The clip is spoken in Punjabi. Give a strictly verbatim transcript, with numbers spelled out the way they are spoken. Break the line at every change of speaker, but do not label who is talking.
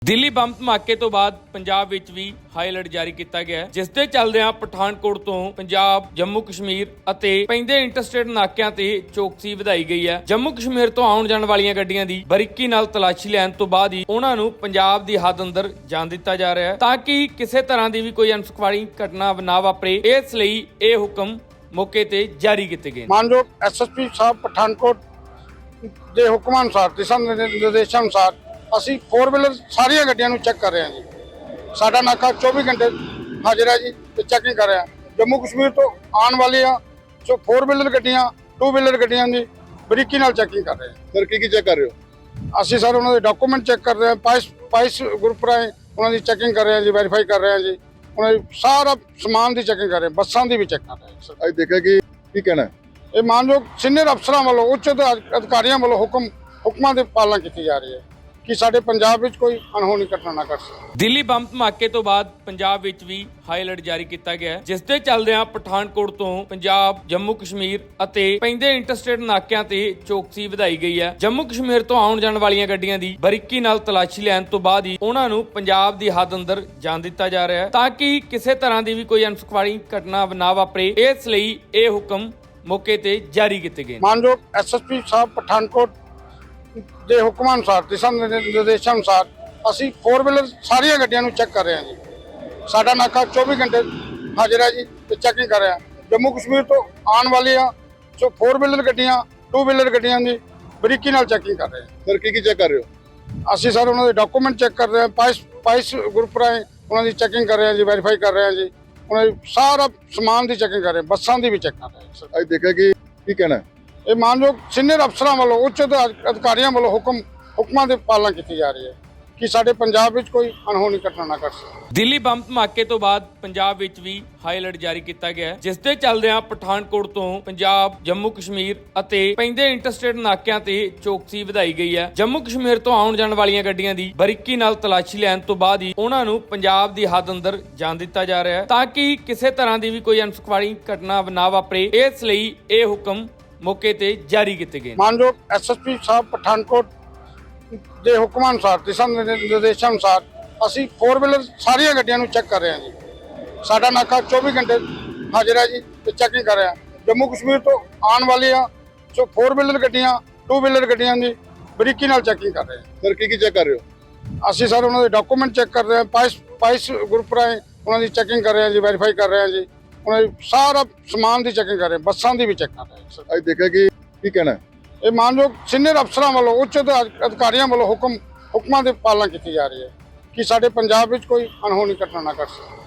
ਦਿੱਲੀ ਬੰਬ ਧਮਾਕੇ ਤੋਂ ਬਾਅਦ ਪੰਜਾਬ ਵਿੱਚ ਵੀ ਹਾਈ ਅਲਰਟ ਜਾਰੀ ਕੀਤਾ ਗਿਆ ਹੈ, ਜਿਸ ਦੇ ਚੱਲਦਿਆਂ ਪਠਾਨਕੋਟ ਤੋਂ ਪੰਜਾਬ, ਜੰਮੂ ਕਸ਼ਮੀਰ ਅਤੇ ਪੈਂਦੇ ਇੰਟਰਸਟੇਟ ਨਾਕਿਆਂ ਤੇ ਚੌਕਸੀ ਵਧਾਈ ਗਈ ਹੈ। ਜੰਮੂ ਕਸ਼ਮੀਰ ਤੋਂ ਆਉਣ ਜਾਣ ਵਾਲੀਆਂ ਗੱਡੀਆਂ ਦੀ ਬਰੀਕੀ ਨਾਲ ਤਲਾਸ਼ੀ ਲੈਣ ਤੋਂ ਬਾਅਦ ਹੀ ਉਹਨਾਂ ਨੂੰ ਪੰਜਾਬ ਦੀ ਹੱਦ ਅੰਦਰ ਜਾਣ ਦਿੱਤਾ ਜਾ ਰਿਹਾ ਹੈ, ਤਾਂ ਕਿ ਕਿਸੇ ਤਰ੍ਹਾਂ ਦੀ ਵੀ ਕੋਈ ਅਨਸੁਖਾਵੀ ਘਟਨਾ ਨਾ ਵਾਪਰੇ। ਇਸ ਲਈ ਇਹ ਹੁਕਮ ਮੌਕੇ ਤੇ ਜਾਰੀ ਕੀਤੇ ਗਏ।
ਮਾਨਯੋਗ ਐਸਐਸਪੀ ਸਾਹਿਬ ਪਠਾਨਕੋਟ ਦੇ ਹੁਕਮਾਂ ਅਨੁਸਾਰ, ਦਿਸ਼ਾ ਨਿਰਦੇਸ਼ਾਂ ਅਨੁਸਾਰ ਅਸੀਂ ਫੋਰ ਵੀਲਰ ਸਾਰੀਆਂ ਗੱਡੀਆਂ ਨੂੰ ਚੈੱਕ ਕਰ ਰਹੇ ਹਾਂ ਜੀ। ਸਾਡਾ ਨਾਕਾ ਚੌਵੀ ਘੰਟੇ ਹਾਜ਼ਰ ਹੈ ਜੀ ਤੇ ਚੈਕਿੰਗ ਕਰ ਰਿਹਾ। ਜੰਮੂ ਕਸ਼ਮੀਰ ਤੋਂ ਆਉਣ ਵਾਲੀਆਂ ਜੋ ਫੋਰ ਵੀਲਰ ਗੱਡੀਆਂ, ਟੂ ਵੀਲਰ ਗੱਡੀਆਂ ਦੀ ਬਰੀਕੀ ਨਾਲ ਚੈਕਿੰਗ ਕਰ ਰਹੇ ਹਾਂ।
ਸਰ ਕੀ ਕੀ ਚੈੱਕ ਕਰ ਰਹੇ ਹੋ?
ਅਸੀਂ ਸਰ ਉਹਨਾਂ ਦੇ ਡਾਕੂਮੈਂਟ ਚੈੱਕ ਕਰ ਰਹੇ ਹਾਂ, ਪਾਈਸ ਪਾਈਸ ਗਰੁੱਪ ਰਾਹੀਂ ਉਹਨਾਂ ਦੀ ਚੈਕਿੰਗ ਕਰ ਰਹੇ ਹਾਂ ਜੀ, ਵੈਰੀਫਾਈ ਕਰ ਰਹੇ ਹਾਂ ਜੀ। ਉਹਨਾਂ ਦੀ ਸਾਰਾ ਸਮਾਨ ਦੀ ਚੈਕਿੰਗ ਕਰ ਰਹੇ ਹਾਂ, ਬੱਸਾਂ ਦੀ ਵੀ ਚੈੱਕ ਕਰ ਰਹੇ ਹਾਂ ਸਰ।
ਅੱਜ ਦੇਖਿਆ ਕਿ ਕੀ ਕਹਿਣਾ ਹੈ?
ਇਹ ਮਾਨਯੋਗ ਸੀਨੀਅਰ ਅਫਸਰਾਂ ਵੱਲੋਂ, ਉੱਚ ਅਧਿਕਾਰੀਆਂ ਵੱਲੋਂ ਹੁਕਮ ਹੁਕਮਾਂ ਦੀ ਪਾਲਣਾ ਕੀਤੀ ਜਾ ਰਹੀ ਹੈ ਕਿ ਸਾਡੇ ਪੰਜਾਬ ਵਿੱਚ ਕੋਈ ਅਣਹੋਣੀ ਘਟਨਾ ਨਾ ਘਟ ਸਕੇ।
ਦਿੱਲੀ ਬੰਬ ਧਮਾਕੇ ਤੋਂ ਬਾਅਦ ਪੰਜਾਬ ਵਿੱਚ ਵੀ ਹਾਈ ਅਲਰਟ ਜਾਰੀ ਕੀਤਾ ਗਿਆ ਹੈ, ਜਿਸ ਦੇ ਚੱਲਦਿਆਂ ਪਠਾਨਕੋਟ ਤੋਂ ਪੰਜਾਬ, ਜੰਮੂ ਕਸ਼ਮੀਰ ਅਤੇ ਪੈਂਦੇ ਇੰਟਰਸਟੇਟ ਨਾਕਿਆਂ ਤੇ ਚੌਕਸੀ ਵਧਾਈ ਗਈ ਹੈ। ਜੰਮੂ ਕਸ਼ਮੀਰ ਤੋਂ ਆਉਣ ਜਾਣ ਵਾਲੀਆਂ ਗੱਡੀਆਂ ਦੀ ਬਰੀਕੀ ਨਾਲ ਤਲਾਸ਼ੀ ਲੈਣ ਤੋਂ ਬਾਅਦ ਹੀ ਉਹਨਾਂ ਨੂੰ ਪੰਜਾਬ ਦੀ ਹੱਦ ਅੰਦਰ ਜਾਣ ਦਿੱਤਾ ਜਾ ਰਿਹਾ ਹੈ, ਤਾਂ ਕਿ ਕਿਸੇ ਤਰ੍ਹਾਂ ਦੀ ਵੀ ਕੋਈ ਅਨਸੁਖਾਵੀ ਘਟਨਾ ਨਾ ਵਾਪਰੇ। ਇਸ ਲਈ ਇਹ ਹੁਕਮ ਮੌਕੇ ਤੇ ਜਾਰੀ ਕੀਤੇ ਗਏ।
ਮਾਨਯੋਗ ਐਸਐਸਪੀ ਸਾਹਿਬ ਪਠਾਨਕੋਟ ਦੇ ਹੁਕਮਾਂ ਅਨੁਸਾਰ, ਦਿਸ਼ਾ ਨਿਰਦੇਸ਼ਾਂ ਅਨੁਸਾਰ ਅਸੀਂ ਫੋਰ ਵੀਲਰ ਸਾਰੀਆਂ ਗੱਡੀਆਂ ਨੂੰ ਚੈੱਕ ਕਰ ਰਹੇ ਹਾਂ ਜੀ। ਸਾਡਾ ਨਾਕਾ ਚੌਵੀ ਘੰਟੇ ਹਾਜ਼ਰ ਹੈ ਜੀ ਤੇ ਚੈਕਿੰਗ ਕਰ ਰਿਹਾ। ਜੰਮੂ ਕਸ਼ਮੀਰ ਤੋਂ ਆਉਣ ਵਾਲੀਆਂ ਜੋ ਫੋਰ ਵੀਲਰ ਗੱਡੀਆਂ, ਟੂ ਵੀਲਰ ਗੱਡੀਆਂ ਦੀ ਬਰੀਕੀ ਨਾਲ ਚੈਕਿੰਗ ਕਰ ਰਹੇ ਹਾਂ।
ਸਰ ਕੀ ਕੀ ਚੈੱਕ ਕਰ ਰਹੇ ਹੋ?
ਅਸੀਂ ਸਰ ਉਹਨਾਂ ਦੇ ਡਾਕੂਮੈਂਟ ਚੈੱਕ ਕਰ ਰਹੇ ਹਾਂ, ਪਾਈਸ ਪਾਈਸ ਗਰੁੱਪ ਰਾਹੀਂ ਉਹਨਾਂ ਦੀ ਚੈਕਿੰਗ ਕਰ ਰਹੇ ਹਾਂ ਜੀ, ਵੈਰੀਫਾਈ ਕਰ ਰਹੇ ਹਾਂ ਜੀ। ਉਹਨਾਂ ਦੀ ਸਾਰਾ ਸਮਾਨ ਦੀ ਚੈਕਿੰਗ ਕਰ ਰਹੇ ਹਾਂ, ਬੱਸਾਂ ਦੀ ਵੀ ਚੈੱਕ ਕਰ ਰਹੇ ਹਾਂ ਸਰ।
ਅੱਜ ਦੇਖਿਆ ਕਿ ਕੀ ਕਹਿਣਾ ਹੈ?
ਇਹ ਮਾਨਯੋਗ ਸੀਨੀਅਰ ਅਫਸਰਾਂ ਵੱਲੋਂ, ਉੱਚ ਅਧਿਕਾਰੀਆਂ ਵੱਲੋਂ ਹੁਕਮ ਹੁਕਮਾਂ ਦੀ ਪਾਲਣਾ ਕੀਤੀ ਜਾ ਰਹੀ ਹੈ ਕਿ ਸਾਡੇ ਪੰਜਾਬ ਵਿੱਚ ਕੋਈ ਅਣਹੋਣੀ ਘਟਨਾ ਨਾ ਘਟ ਸਕੇ।
ਦਿੱਲੀ ਬੰਬ ਧਮਾਕੇ ਤੋਂ ਬਾਅਦ ਪੰਜਾਬ ਵਿੱਚ ਵੀ ਹਾਈ ਅਲਰਟ ਜਾਰੀ ਕੀਤਾ ਗਿਆ ਹੈ, ਜਿਸ ਦੇ ਚੱਲਦਿਆਂ ਪਠਾਨਕੋਟ ਤੋਂ ਪੰਜਾਬ, ਜੰਮੂ ਕਸ਼ਮੀਰ ਅਤੇ ਪੈਂਦੇ ਇੰਟਰਸਟੇਟ ਨਾਕਿਆਂ ਤੇ ਚੌਕਸੀ ਵਧਾਈ ਗਈ ਹੈ। ਜੰਮੂ ਕਸ਼ਮੀਰ ਤੋਂ ਆਉਣ ਜਾਣ ਵਾਲੀਆਂ ਗੱਡੀਆਂ ਦੀ ਬਰੀਕੀ ਨਾਲ ਤਲਾਸ਼ੀ ਲੈਣ ਤੋਂ ਬਾਅਦ ਹੀ ਉਹਨਾਂ ਨੂੰ ਪੰਜਾਬ ਦੀ ਹੱਦ ਅੰਦਰ ਜਾਣ ਦਿੱਤਾ ਜਾ ਰਿਹਾ ਹੈ, ਤਾਂ ਕਿ ਕਿਸੇ ਤਰ੍ਹਾਂ ਦੀ ਵੀ ਕੋਈ ਅਨਸੁਖਾਵੀ ਘਟਨਾ ਨਾ ਵਾਪਰੇ। ਇਸ ਲਈ ਇਹ ਹੁਕਮ ਮੌਕੇ ਤੇ ਜਾਰੀ ਕੀਤੇ ਗਏ।
ਮਾਨਯੋਗ ਐਸਐਸਪੀ ਸਾਹਿਬ ਪਠਾਨਕੋਟ ਦੇ ਹੁਕਮਾਂ ਅਨੁਸਾਰ, ਦਿਸ਼ਾ ਨਿਰਦੇਸ਼ਾਂ ਅਨੁਸਾਰ ਅਸੀਂ ਫੋਰ ਵੀਲਰ ਸਾਰੀਆਂ ਗੱਡੀਆਂ ਨੂੰ ਚੈੱਕ ਕਰ ਰਹੇ ਹਾਂ ਜੀ। ਸਾਡਾ ਨਾਕਾ ਚੌਵੀ ਘੰਟੇ ਹਾਜ਼ਰ ਹੈ ਜੀ ਤੇ ਚੈਕਿੰਗ ਕਰ ਰਿਹਾ। ਜੰਮੂ ਕਸ਼ਮੀਰ ਤੋਂ ਆਉਣ ਵਾਲੀਆਂ ਜੋ ਫੋਰ ਵੀਲਰ ਗੱਡੀਆਂ, ਟੂ ਵੀਲਰ ਗੱਡੀਆਂ ਦੀ ਬਰੀਕੀ ਨਾਲ ਚੈਕਿੰਗ ਕਰ ਰਹੇ ਹਾਂ।
ਸਰ ਕੀ ਕੀ ਚੈੱਕ ਕਰ ਰਹੇ ਹੋ?
ਅਸੀਂ ਸਰ ਉਹਨਾਂ ਦੇ ਡਾਕੂਮੈਂਟ ਚੈੱਕ ਕਰ ਰਹੇ ਹਾਂ, ਪਾਈਸ ਪਾਈਸ ਗਰੁੱਪ ਰਾਹੀਂ ਉਹਨਾਂ ਦੀ ਚੈਕਿੰਗ ਕਰ ਰਹੇ ਹਾਂ ਜੀ, ਵੈਰੀਫਾਈ ਕਰ ਰਹੇ ਹਾਂ ਜੀ। ਉਹਨਾਂ ਦੀ ਸਾਰਾ ਸਮਾਨ ਦੀ ਚੈਕਿੰਗ ਕਰ ਰਹੇ ਹਾਂ, ਬੱਸਾਂ ਦੀ ਵੀ ਚੈੱਕ ਕਰ ਰਹੇ ਹਾਂ ਸਰ।
ਅੱਜ ਦੇਖਿਆ ਕਿ ਕੀ ਕਹਿਣਾ ਹੈ?
ਇਹ ਮਾਨਯੋਗ ਸੀਨੀਅਰ ਅਫਸਰਾਂ ਵੱਲੋਂ, ਉੱਚ ਅਧਿਕਾਰੀਆਂ ਵੱਲੋਂ ਹੁਕਮ ਹੁਕਮਾਂ ਦੀ ਪਾਲਣਾ ਕੀਤੀ ਜਾ ਰਹੀ ਹੈ ਕਿ ਸਾਡੇ ਪੰਜਾਬ ਵਿੱਚ ਕੋਈ ਅਣਹੋਣੀ ਘਟਨਾ ਨਾ ਘਟ ਸਕੇ।